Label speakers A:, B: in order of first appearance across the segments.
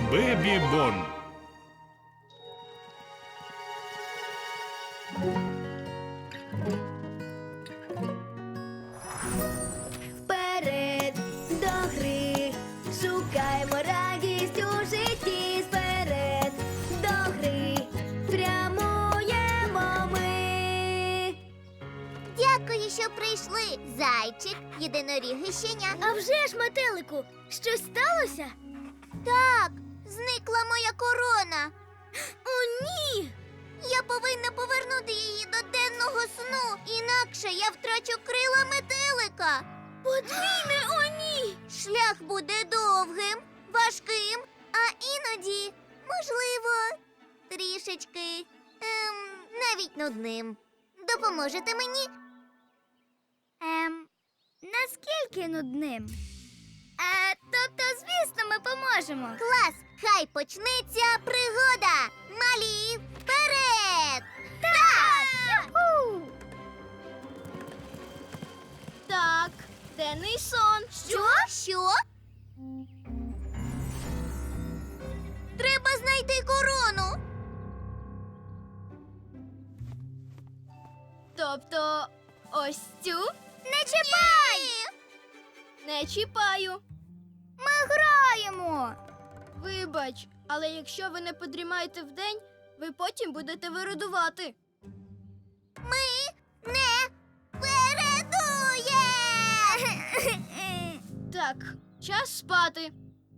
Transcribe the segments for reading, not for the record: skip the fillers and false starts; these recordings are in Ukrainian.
A: Бебі-бон.
B: Вперед до гри, шукаймо радість у житті. Вперед до гри, прямуємо ми.
C: Дякую, що прийшли. Зайчик, єдиноріг і щеня.
B: А вже ж, метелику, щось сталося?
C: Так, зникла моя корона.
B: О, ні!
C: Я повинна повернути її до денного сну, інакше я втрачу крила метелика.
B: Подвійне о, ні!
C: Шлях буде довгим, важким, а іноді, можливо, трішечки, навіть нудним. Допоможете мені?
B: Наскільки нудним? Тобто, звісно, ми поможемо.
C: Клас! Хай почнеться пригода! Малі, вперед! Так!
B: Так, денний сон.
C: Що? Треба знайти корону.
B: Тобто, ось цю
C: Не чіпай!
B: не чіпаю.
C: Ми граємо.
B: Вибач, але якщо ви не подрімаєте вдень, ви потім будете виродувати.
C: Ми не передує!
B: Так, час спати.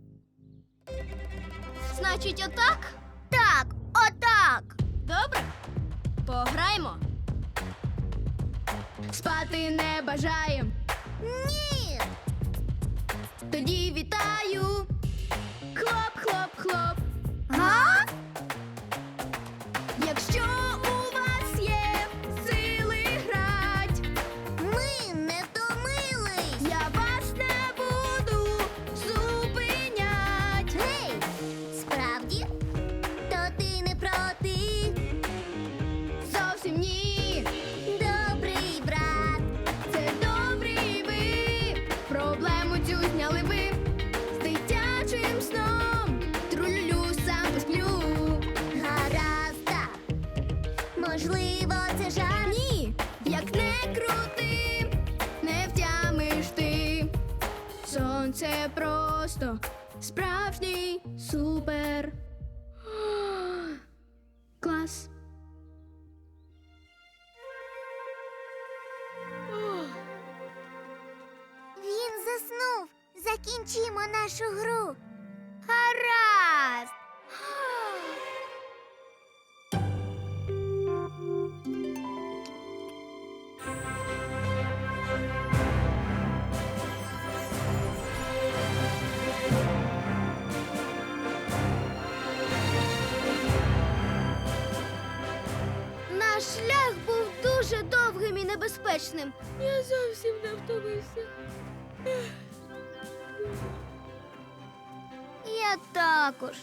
B: Значить, отак?
C: Так, отак.
B: Добре. Пограймо. Спати не бажаєм.
C: Ні.
B: Тоді вітаю. Хлоп, хлоп, хлоп.
C: Га?
B: Якщо у вас є сили грать,
C: Ми не втомились.
B: я вас не буду зупинять.
C: Гей, справді? То ти не проти?
B: Зовсім ні.
C: Добрий брат.
B: Це добрі ви. Проблему цю зняли ви. З дитячим сном трулю сам посплю.
C: Гаразд, так. Можливо, це жарт.
B: Ні, як не крути, не втямиш ти. Сонце просто справжній супер. Клас.
C: Він заснув. Закінчимо нашу гру. Гаразд.
B: Наш шлях був дуже довгим і небезпечним. Я зовсім не втомився.
C: Я також.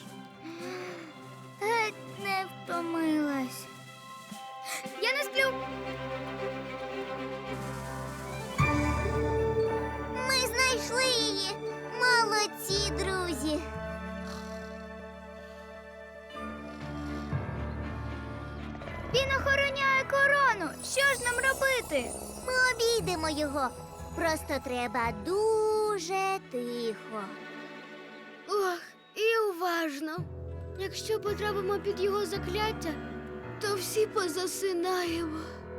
C: Геть не втомилась.
B: Я не сплю.
C: Ми знайшли її. Молодці, друзі.
B: Він охороняє корону. Що ж нам робити?
C: Ми обійдемо його. Просто треба дуже тихо.
B: Ох, і уважно. Якщо потрапимо під його закляття, то всі позасинаємо.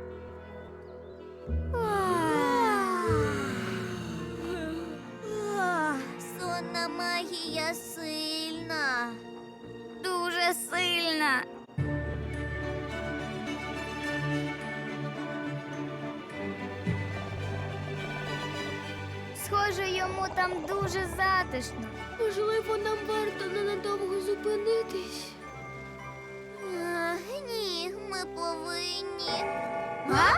C: Сонна магія сильна.
B: Дуже сильна. Схоже, йому там дуже затишно. Можливо, нам варто ненадовго зупинитись.
C: Ні, ми повинні.
B: А?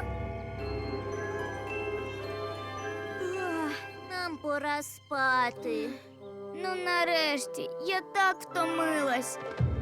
C: Нам пора спати.
B: Ну, нарешті, я так втомилась.